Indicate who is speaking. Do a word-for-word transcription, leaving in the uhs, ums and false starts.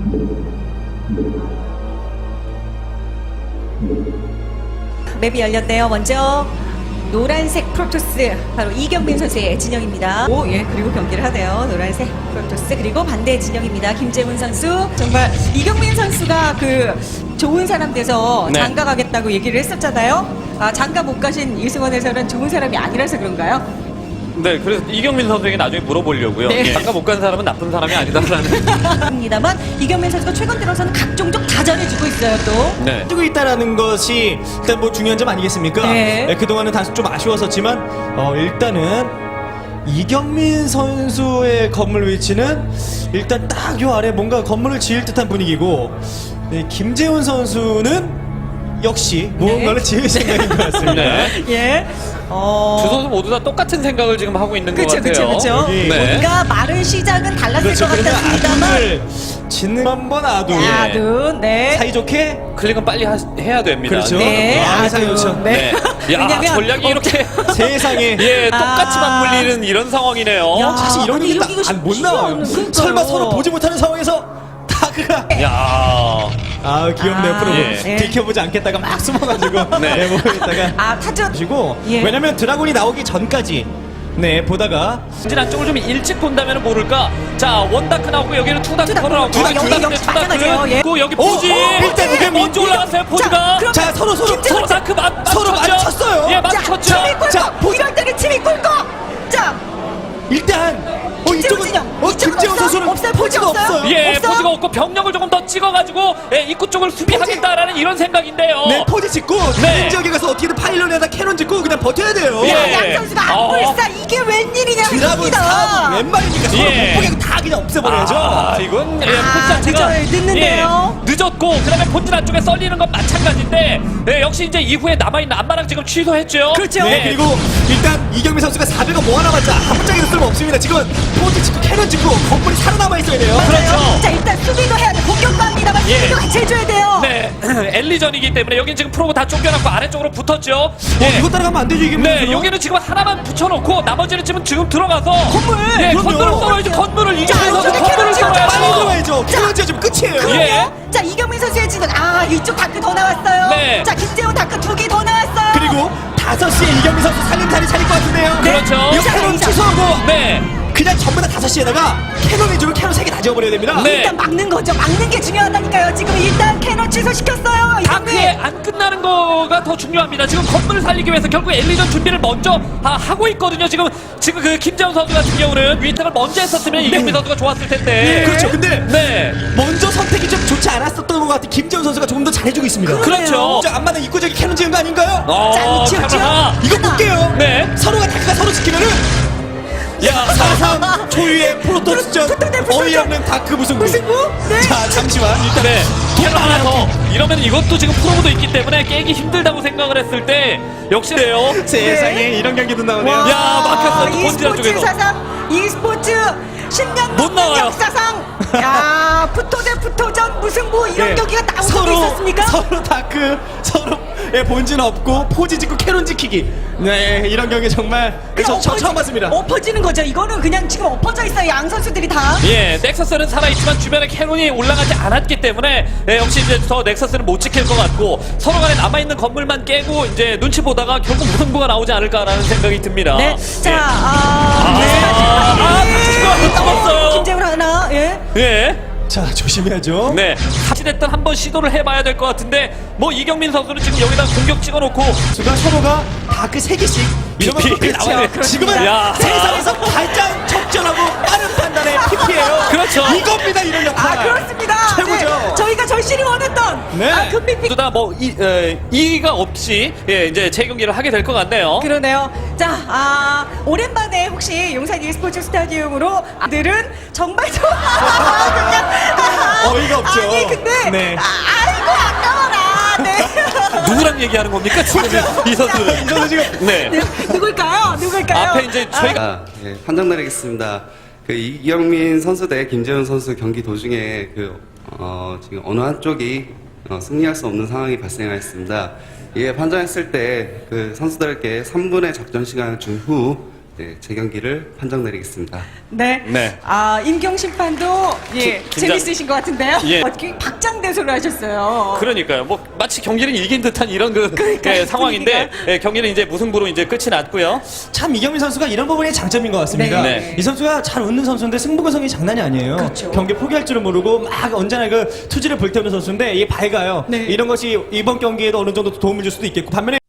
Speaker 1: 맵이 열렸네요. 먼저 노란색 프로토스 바로 이경민 선수의 진영입니다. 오, 예, 그리고 경기를 하네요. 노란색 프로토스 그리고 반대 진영입니다. 김재훈 선수. 정말 이경민 선수가 그 좋은 사람 돼서
Speaker 2: 네.
Speaker 1: 장가 가겠다고 얘기를 했었잖아요. 아, 장가 못 가신 이승원에서는 좋은 사람이 아니라서 그런가요?
Speaker 2: 네, 그래서 이경민 선수에게 나중에 물어보려고요.
Speaker 1: 네.
Speaker 2: 예, 아까 못 간 사람은 나쁜 사람이 아니다라는.
Speaker 1: 합니다만 이경민 선수가 최근 들어서는 각종적 다 잘해주고 있어요. 또
Speaker 2: 네.
Speaker 3: 뜨고 있다라는 것이 일단 뭐 중요한 점 아니겠습니까?
Speaker 1: 네.
Speaker 3: 네, 그동안은 다소 좀 아쉬웠었지만 어, 일단은 이경민 선수의 건물 위치는 일단 딱 요 아래 뭔가 건물을 지을 듯한 분위기고 네, 김재훈 선수는 역시 무언가를 지을 생각인 것 같습니다.
Speaker 2: 네.
Speaker 1: 예. 어...
Speaker 2: 두 선수 모두 다 똑같은 생각을 지금 하고 있는
Speaker 1: 그쵸,
Speaker 2: 것 같아요.
Speaker 1: 그쵸, 그쵸.
Speaker 3: 여기
Speaker 2: 네.
Speaker 1: 뭔가 마른 시작은 달랐을
Speaker 3: 그렇죠.
Speaker 1: 것
Speaker 3: 그러면
Speaker 1: 같았습니다만
Speaker 3: 아둔을 짓는 한번 아둔
Speaker 2: 예.
Speaker 1: 아둔, 네.
Speaker 3: 사이좋게
Speaker 2: 클릭은 빨리 하, 해야 됩니다.
Speaker 3: 그렇죠.
Speaker 1: 네,
Speaker 3: 아,
Speaker 1: 아둔.
Speaker 3: 사이좋죠.
Speaker 1: 네.
Speaker 2: 네. 야,
Speaker 1: 왜냐면
Speaker 2: 전략이 이렇게
Speaker 3: 세상에
Speaker 2: 예, 똑같이
Speaker 1: 아.
Speaker 2: 맞물리는 이런 상황이네요.
Speaker 1: 야.
Speaker 3: 사실 이런
Speaker 1: 아니,
Speaker 3: 게
Speaker 1: 이러기가
Speaker 3: 딱 못
Speaker 1: 쉽지가
Speaker 3: 나와요.
Speaker 1: 않은, 그러니까요.
Speaker 3: 설마 서로 보지 못하는 상황에서 다그가
Speaker 2: 야.
Speaker 3: 아 귀엽네요.
Speaker 1: 아,
Speaker 3: 프로
Speaker 2: 예.
Speaker 3: 들켜보지 않겠다가 막 숨어가지고
Speaker 2: 네.
Speaker 3: 네, 모여있다가
Speaker 1: 아, 타전.
Speaker 3: 가지고
Speaker 1: 예.
Speaker 3: 왜냐면 드라곤이 나오기 전까지 네 보다가
Speaker 2: 진안쪽을 좀 일찍 본다면 모를까. 자, 원다크 나오고 여기는 투다크
Speaker 1: 투다크,
Speaker 2: 나오고
Speaker 1: 투다크,
Speaker 2: 투다크,
Speaker 1: 여기, 여기
Speaker 2: 투다크
Speaker 1: 마찬가지예요. 예.
Speaker 2: 그리고 여기
Speaker 3: 오,
Speaker 2: 포지.
Speaker 3: 오, 일단 이게
Speaker 2: 먼저
Speaker 3: 민-
Speaker 2: 올라갔어요. 포지가.
Speaker 1: 그럼-
Speaker 3: 자 서로 서로
Speaker 2: 서로 다크 맞
Speaker 3: 서로 마주쳤어요.
Speaker 2: 예,
Speaker 1: 자,
Speaker 2: 맞췄죠.
Speaker 1: 침이 꿀꺽.
Speaker 3: 자, 보-
Speaker 1: 이럴 때는 침이 꿀꺽. 자,
Speaker 3: 일단 어
Speaker 1: 김재훈
Speaker 3: 이쪽은
Speaker 1: 진영.
Speaker 3: 어
Speaker 1: 이쪽은
Speaker 3: 김재훈
Speaker 1: 없어?
Speaker 3: 선수는
Speaker 1: 없어요?
Speaker 3: 포지가
Speaker 1: 포지 없어요?
Speaker 3: 없어요.
Speaker 2: 예,
Speaker 1: 없어?
Speaker 2: 포지가 없고 병력을 조금 더 찍어가지고 예, 입구 쪽을 수비하겠다라는 이런 생각인데요.
Speaker 3: 네 포지 짓고
Speaker 2: 네.
Speaker 3: 다른 지역에 가서 어떻게든 파일런에다 캐논 짓고 그냥 버텨야 돼요.
Speaker 2: 예.
Speaker 1: 야, 양 선수가
Speaker 2: 어.
Speaker 1: 안불사 이게 웬일이냐
Speaker 3: 드라곤 사람 웬 말입니까? 서로
Speaker 2: 예.
Speaker 3: 못 보게 다 그냥 없애버려야죠.
Speaker 2: 아, 이건 예,
Speaker 1: 아,
Speaker 2: 포지 자체가
Speaker 1: 늦어요. 늦는데요.
Speaker 2: 예, 늦었고 그다음에 본진 안쪽에 썰리는 건 마찬가지인데 예, 역시 이제 이후에 남아있는 안마랑 지금 취소했죠.
Speaker 1: 그렇죠.
Speaker 3: 네, 그리고 일단 이경민 선수가 사백원 모아놔봤자 한 번짝에도 쓸모 없습니다. 지금 포지 짓고 캐논 짓고 건물이 살아남아 있어야 돼요.
Speaker 2: 그렇죠.
Speaker 1: 자, 일단 수비도 해야 돼. 공격도 합니다만
Speaker 2: 예.
Speaker 1: 수비도 같이 해줘야 돼요.
Speaker 2: 네, 엘리전이기 때문에 여긴 지금 프로고 다 쫓겨났고 아래쪽으로 붙었죠.
Speaker 3: 어,
Speaker 2: 예.
Speaker 3: 이거 따라가면 안 되죠, 이경민
Speaker 2: 네,
Speaker 3: 선수는.
Speaker 2: 여기는 지금 하나만 붙여놓고 나머지는 지금 지금 들어가서
Speaker 3: 건물!
Speaker 2: 예,
Speaker 3: 그럼요.
Speaker 2: 건물을 썰어야지. 건물을 이경민
Speaker 1: 자,
Speaker 2: 선수
Speaker 1: 이쪽에
Speaker 2: 건물을
Speaker 1: 캐논
Speaker 3: 빨리
Speaker 2: 썰어야죠.
Speaker 3: 들어와야죠. 캐논 지어주면 끝이에요.
Speaker 1: 그럼요.
Speaker 2: 예.
Speaker 1: 자, 이경민 선수의 진은 아, 이쪽 다크 더 나왔어요.
Speaker 2: 네.
Speaker 1: 자, 김재훈 다크 두 개 더 나왔어요.
Speaker 3: 그리고 다섯 시에 이경민 선수 살림살이 차릴 것 같은데요.
Speaker 2: 그렇죠.
Speaker 3: 이거 캐논
Speaker 1: 이상,
Speaker 3: 취소하고
Speaker 2: 네,
Speaker 3: 그냥 전부 다 다섯 시에다가 캐논 위주로 캐논 세 개 다 지어버려야 됩니다.
Speaker 2: 네.
Speaker 1: 일단 막는 거죠. 막는 게 중요하다니까요. 지금 일단 캐논 취소시켰어요.
Speaker 2: 다크에
Speaker 1: 이경민.
Speaker 2: 안 끝나는 거가 더 중요합니다. 지금 건물을 살리기 위해서 결국 엘리전 준비를 먼저 아, 하고 있거든요. 지금 지금 그 김재훈 선수 같은 경우는 위탁을 먼저 했었으면 이경민 선수가 좋았을 텐데.
Speaker 3: 그렇죠. 근데
Speaker 2: 네,
Speaker 3: 먼저 선택이 좀 좋지 않았었던 것 같은 김재훈 선수가 조금 더 잘해주고 있습니다.
Speaker 2: 그렇죠.
Speaker 3: 저 안마는 입구적인 캐논 지은 거 아닌가요?
Speaker 2: 어,
Speaker 1: 자, 위치였죠?
Speaker 2: 카메라.
Speaker 3: 이거
Speaker 1: 하나.
Speaker 3: 볼게요.
Speaker 2: 네.
Speaker 3: 서로가 다크가 서로 지키면은
Speaker 2: 야,
Speaker 3: 사삼 초유의 프로토스전
Speaker 1: 붙어대, 붙어대.
Speaker 3: 어이없는 다크 무승부.
Speaker 1: 무승부? 네.
Speaker 3: 자 잠시만 일단
Speaker 2: 네. 캐논 하나 더.
Speaker 3: 더.
Speaker 2: 이러면 이것도 지금 프로모도 있기 때문에 깨기 힘들다고 생각을 했을 때 역시래요.
Speaker 3: 세상에
Speaker 1: 네.
Speaker 3: 이런 경기도 나오네요.
Speaker 1: 와,
Speaker 2: 야, 막혔어요. 또 본질한
Speaker 1: e스포츠
Speaker 2: 쪽에서.
Speaker 1: 사상, e스포츠 십 년
Speaker 2: 못 나와요.
Speaker 1: 넘는 역사상. 야, 푸토 대 푸토전 무승부 이런
Speaker 3: 네.
Speaker 1: 경기가 나온 적이
Speaker 3: 서로
Speaker 1: 있었습니까?
Speaker 3: 서로 다크 서로의 본진 없고 포지 짓고 캐논 지키기. 네 이런 경기 정말 저, 저
Speaker 1: 엎어지-
Speaker 3: 처음 봤습니다.
Speaker 1: 엎어지는 거죠. 이거는 그냥 지금 엎어져 있어요. 양 선수들이 다.
Speaker 2: 예, 넥서스는 살아있지만 주변에 캐논이 올라가지 않았기 때문에 예, 역시 이제 더 넥서스는 못 지킬 것 같고 서로 간에 남아있는 건물만 깨고 이제 눈치 보다가 결국 무승부가 나오지 않을까라는 생각이 듭니다.
Speaker 1: 네. 자,
Speaker 2: 예.
Speaker 1: 아, 네.
Speaker 2: 아, 다치고 잡았어요.
Speaker 1: 김재훈 하나. 예.
Speaker 2: 예.
Speaker 3: 자 조심해야죠.
Speaker 2: 네, 사실했던 한번 시도를 해봐야 될 것 같은데 뭐 이경민 선수는 지금 여기다 공격 찍어놓고
Speaker 3: 지금 서로가 다크 세 개씩 이러면 또
Speaker 2: 피피 나와요.
Speaker 3: 끝이에요. 지금은
Speaker 2: 야.
Speaker 3: 세상에서 가장 적절하고 빠른 판단의 피피예요.
Speaker 2: 그렇죠.
Speaker 3: 이겁니다 이런 역할.
Speaker 1: 아, 그렇습니다.
Speaker 3: 최고죠.
Speaker 1: 네. 저희가 절실히 원했던
Speaker 3: 네.
Speaker 1: 아, 금빛
Speaker 2: 모두 다뭐 이의가 없이 예, 이제 재경기를 하게 될 것 같네요.
Speaker 1: 그러네요. 자, 아, 오랜만에 혹시 용산 e스포츠 스타디움으로 아들은 정말 좋아. 그냥 아,
Speaker 3: 어이가 없죠.
Speaker 1: 아니, 근데
Speaker 3: 네.
Speaker 1: 아, 아이고 아까워라. 네.
Speaker 2: 누구랑 얘기하는 겁니까 지금 이 선수는?
Speaker 3: 이 선수 지금
Speaker 2: 네.
Speaker 1: 누굴까요? 누굴까요?
Speaker 2: 앞에 이제 저희가
Speaker 4: 아, 예, 판정 내리겠습니다. 그 이경민 선수 대 김재훈 선수 경기 도중에 그 어, 지금 어느 한쪽이 어, 승리할 수 없는 상황이 발생하였습니다. 이에 판정했을 때 그 선수들에게 삼 분의 작전 시간을 준 후 네, 제 경기를 판정 내리겠습니다.
Speaker 1: 네.
Speaker 2: 네.
Speaker 1: 아, 임경 심판도 예,
Speaker 2: 김- 김장-
Speaker 1: 재밌으신 것 같은데요.
Speaker 2: 예.
Speaker 1: 어떻게 박장대소를 하셨어요.
Speaker 2: 그러니까요. 뭐 마치 경기를 이긴 듯한 이런 그
Speaker 1: 그러니까요,
Speaker 2: 예, 상황인데
Speaker 1: 분위기가.
Speaker 2: 예, 경기는 이제 무승부로 이제 끝이 났고요.
Speaker 3: 참 이경민 선수가 이런 부분이 장점인 것 같습니다.
Speaker 1: 네.
Speaker 2: 네.
Speaker 3: 이 선수가 잘 웃는 선수인데 승부구성이 장난이 아니에요.
Speaker 1: 그렇죠.
Speaker 3: 경기 포기할 줄은 모르고 막 언제나 그 투지를 불태우는 선수인데 이게 밝아요.
Speaker 1: 네.
Speaker 3: 이런 것이 이번 경기에도 어느 정도 도움을 줄 수도 있겠고 반면에